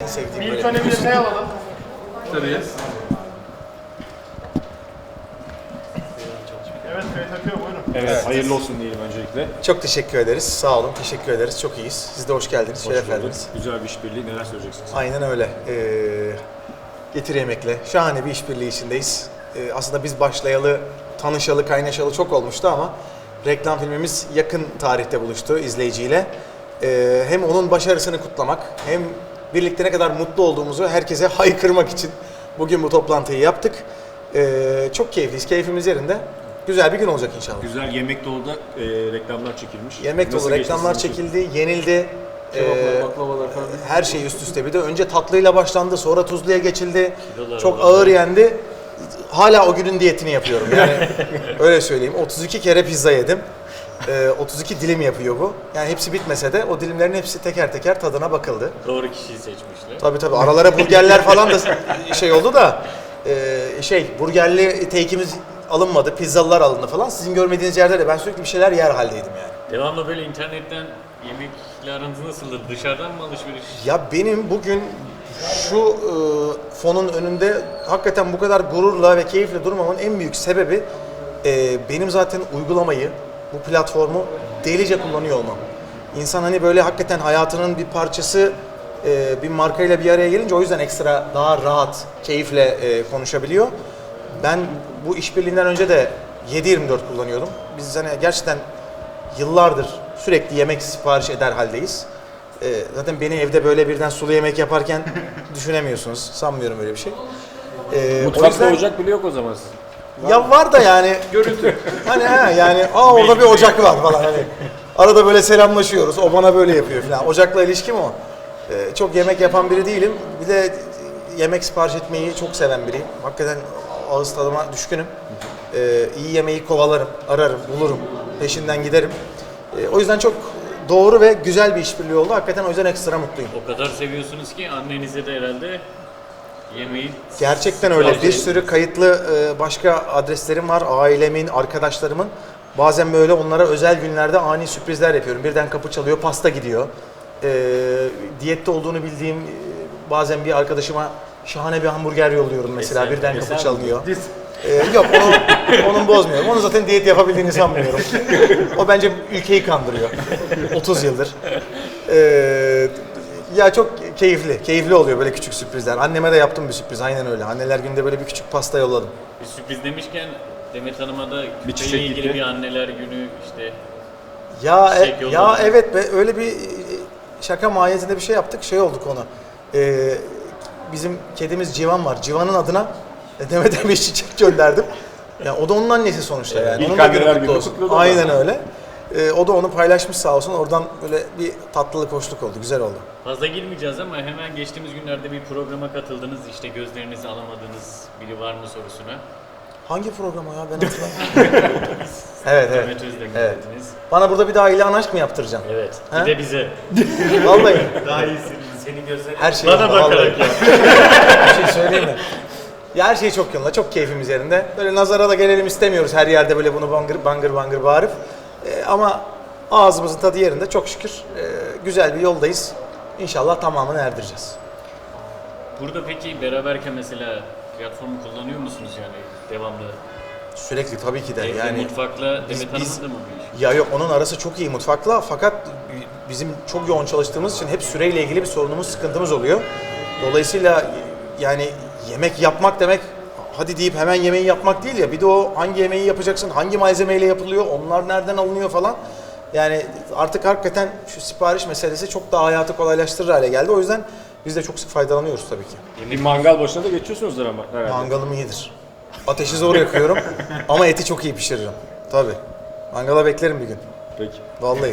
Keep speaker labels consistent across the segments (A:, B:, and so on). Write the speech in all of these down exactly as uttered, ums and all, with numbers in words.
A: sevdiğim
B: Bir
A: böyle.
B: ilk öne bir şey alalım.
C: Tabii.
B: Evet, kayıt akıyor, buyurun.
C: Evet,
A: Evet.
C: hayırlı olsun diyelim öncelikle.
A: Çok teşekkür ederiz. Sağ olun. Teşekkür ederiz. Çok iyiyiz. Siz de hoş geldiniz.
C: Hoş
A: Şeref
C: bulduk.
A: verdiniz.
C: Güzel bir işbirliği, neler söyleyeceksiniz?
A: Aynen öyle. Ee, Getir Yemek'le şahane bir işbirliği içindeyiz. Ee, aslında biz başlayalı, tanışalı, kaynaşalı çok olmuştu ama reklam filmimiz yakın tarihte buluştu izleyiciyle. Ee, hem onun başarısını kutlamak, hem birlikte ne kadar mutlu olduğumuzu herkese haykırmak için bugün bu toplantıyı yaptık. Ee, çok keyifliyiz, keyfimiz yerinde. Güzel bir gün olacak inşallah.
C: Güzel yemek dolu da e, reklamlar çekilmiş.
A: Yemek
C: Nasıl
A: dolu
C: geçti
A: reklamlar
C: sizin için?
A: çekildi, yenildi.
C: Kebaplar,
A: Ee,
C: baklavalar falan.
A: Her şey üst üste bir de önce tatlıyla başlandı, sonra tuzluya geçildi.
D: Kilolar
A: Çok
D: var.
A: ağır yendi. Hala o günün diyetini yapıyorum yani öyle söyleyeyim. otuz iki kere pizza yedim. Ee, otuz iki dilim yapıyor bu. Yani hepsi bitmese de o dilimlerin hepsi teker teker tadına bakıldı.
D: Doğru kişiyi seçmişler.
A: Tabii tabii aralara burgerler falan da şey oldu da e, şey burgerli teykimiz alınmadı, pizzalılar alındı falan. Sizin görmediğiniz yerde de ben sürekli bir şeyler yer haldeydim yani.
D: Devamlı böyle internetten yemekle aranız nasıldır? Dışarıdan mı alışveriş?
A: Ya benim bugün şu e, fonun önünde hakikaten bu kadar gururla ve keyifle durmamın en büyük sebebi e, benim zaten uygulamayı, bu platformu delice kullanıyor olmam. İnsan hani böyle hakikaten hayatının bir parçası e, bir markayla bir araya gelince o yüzden ekstra daha rahat, keyifle e, konuşabiliyor. Ben bu işbirliğinden önce de yedi yirmi dört kullanıyordum. Biz hani gerçekten yıllardır sürekli yemek sipariş eder haldeyiz. Ee, zaten beni evde böyle birden sulu yemek yaparken düşünemiyorsunuz. Sanmıyorum öyle bir şey. Ee, o
C: Mutfakta
A: yüzden-
C: ocak bile yok o zaman sizin.
A: Ya var da yani. Görüntü. Hani ha yani aa orada bir ocak var falan hani. Arada böyle selamlaşıyoruz. O bana böyle yapıyor falan. Ocakla ilişkim o. Ee, çok yemek yapan biri değilim. Bir de yemek sipariş etmeyi çok seven biriyim. Hakikaten ağız tadıma düşkünüm. Ee, iyi yemeği kovalarım, ararım, bulurum, peşinden giderim. Ee, o yüzden çok doğru ve güzel bir işbirliği oldu. Hakikaten o yüzden ekstra mutluyum.
D: O kadar seviyorsunuz ki annenize de herhalde yemeği...
A: Gerçekten öyle. Bir sürü kayıtlı e, başka adreslerim var. Ailemin, arkadaşlarımın. Bazen böyle onlara özel günlerde ani sürprizler yapıyorum. Birden kapı çalıyor, pasta gidiyor. E, diyette olduğunu bildiğim e, bazen bir arkadaşıma şahane bir hamburger yolluyorum mesela.
D: Eser-
A: Birden kapı
D: eser mi?
A: çalınıyor. E, yok onu, onun bozmuyorum. Onu zaten diyet yapabildiğini sanmıyorum. O bence ülkeyi kandırıyor. otuz yıldır. E, Ya çok keyifli, keyifli oluyor böyle küçük sürprizler. Anneme de yaptım bir sürpriz, aynen öyle. Anneler günde böyle bir küçük pasta yolladım.
D: Bir sürpriz demişken Demet Hanım'a da
C: Bir çiçek
D: küpeyle ilgili
C: gitti.
D: bir anneler günü işte
A: Ya
D: Çiçek
A: e,
D: yolladım.
A: ya evet be, öyle bir şaka mahiyetinde bir şey yaptık, şey olduk onu. Ee, bizim kedimiz Civan var. Civan'ın adına Demet'e bir çiçek gönderdim. Ya o da onun annesi sonuçta yani.
C: İlk
A: Onun da günü
C: anneler
A: kutlu
C: günü
A: olsun.
C: kutladı o da.
A: Aynen öyle. Ee, o da onu paylaşmış sağ olsun. Oradan böyle bir tatlılık, hoşluk oldu. Güzel oldu.
D: fazla girmeyeceğiz ama hemen geçtiğimiz günlerde bir programa katıldınız. İşte gözlerinizi alamadığınız biri var mı sorusuna.
A: Hangi program o ya? Ben hatırlamıyorum. evet evet.
D: Demet Özdemir
A: Evet.
D: dediniz.
A: Bana burada bir daha ilan aşk mı yaptıracaksın?
D: Evet.
A: Ha?
D: Bir de bize.
A: Vallahi.
D: Daha iyisi. Senin gözlerin.
A: Her şey
D: Bana
A: yolunda,
D: bakarak
A: vallahi.
D: ya.
A: Bir şey söyleyeyim mi? Ya her şey çok yolunda, çok keyfimiz yerinde. Böyle nazara da gelelim istemiyoruz her yerde böyle bunu bangır bangır bangır bağırıp. Ee, ama ağzımızın tadı yerinde çok şükür. Ee, güzel bir yoldayız. İnşallah tamamını erdireceğiz.
D: Burada peki beraberken mesela platformu kullanıyor musunuz yani devamlı?
A: Sürekli tabii ki de.
D: Evde
A: Yani
D: mutfakla
A: biz-
D: Demet
A: biz-
D: Hanım'ın da mı bir iş?
A: ya yok onun arası çok iyi mutfakla fakat bizim çok yoğun çalıştığımız için hep süreyle ilgili bir sorunumuz, sıkıntımız oluyor. Dolayısıyla yani yemek yapmak demek hadi deyip hemen yemeği yapmak değil ya. Bir de o hangi yemeği yapacaksın, hangi malzemeyle yapılıyor, onlar nereden alınıyor falan. Yani artık hakikaten şu sipariş meselesi çok daha hayatı kolaylaştırır hale geldi. O yüzden biz de çok sık faydalanıyoruz tabii ki.
C: Bir mangal başına da geçiyorsunuzdur ama herhalde.
A: Mangalım iyidir. Ateşi zor yakıyorum ama eti çok iyi pişiririm. Tabii. Mangala beklerim bir gün.
C: Peki.
A: Vallahi.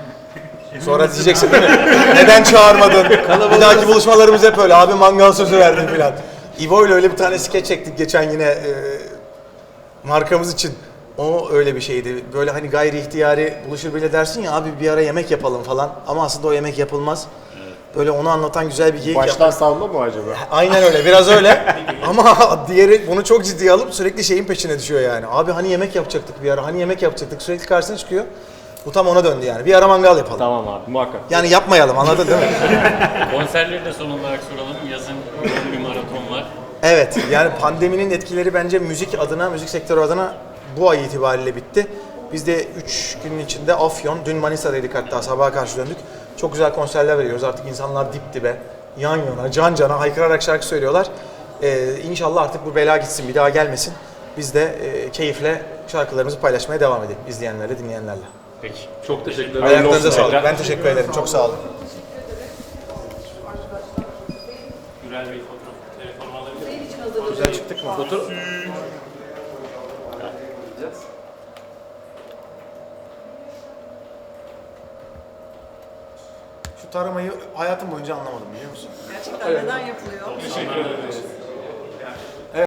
A: Sonra diyeceksin değil mi? Neden çağırmadın? Bir dahaki buluşmalarımız hep öyle. Abi mangal sözü verdin filan. İvo ile öyle bir tane skeç çektik geçen yine e, markamız için. O öyle bir şeydi. Böyle hani gayri ihtiyari buluşur bile dersin ya abi bir ara yemek yapalım falan. Ama aslında o yemek yapılmaz. Böyle onu anlatan güzel bir geyik yaptık.
C: Baştan savma mı acaba?
A: Aynen öyle, biraz öyle. Ama diğeri bunu çok ciddiye alıp sürekli şeyin peşine düşüyor yani. Abi hani yemek yapacaktık bir ara, hani yemek yapacaktık. Sürekli karşısına çıkıyor. Bu tam ona döndü yani. Bir ara mangal yapalım.
C: Tamam abi muhakkak.
A: Yani yapmayalım, anladın değil mi?
D: Konserleri de son olarak soralım. Yazın yoğun bir maraton var.
A: Evet, yani pandeminin etkileri bence müzik adına, müzik sektörü adına bu ay itibariyle bitti. Biz de üç günün içinde Afyon, dün Manisa'daydık hatta sabaha karşı döndük. Çok güzel konserler veriyoruz. Artık insanlar dip dibe, yan yana, can cana haykırarak şarkı söylüyorlar. Ee, inşallah artık bu bela gitsin, bir daha gelmesin. Biz de e, keyifle şarkılarımızı paylaşmaya devam edelim izleyenlerle, dinleyenlerle.
D: Peki.
C: Çok teşekkürler.
A: Ayaklarınıza
C: olsun
A: sağlık.
C: tekrar.
A: Ben teşekkür ederim. Çok sağ olun.
D: Gürel Bey fotoğraf, telefonu alabilir miyim?
A: Güzel çıktık mı?
C: Foto-
A: Şu taramayı hayatım boyunca anlamadım biliyor musun?
E: Gerçekten neden yapılıyor?
B: Teşekkür ederiz.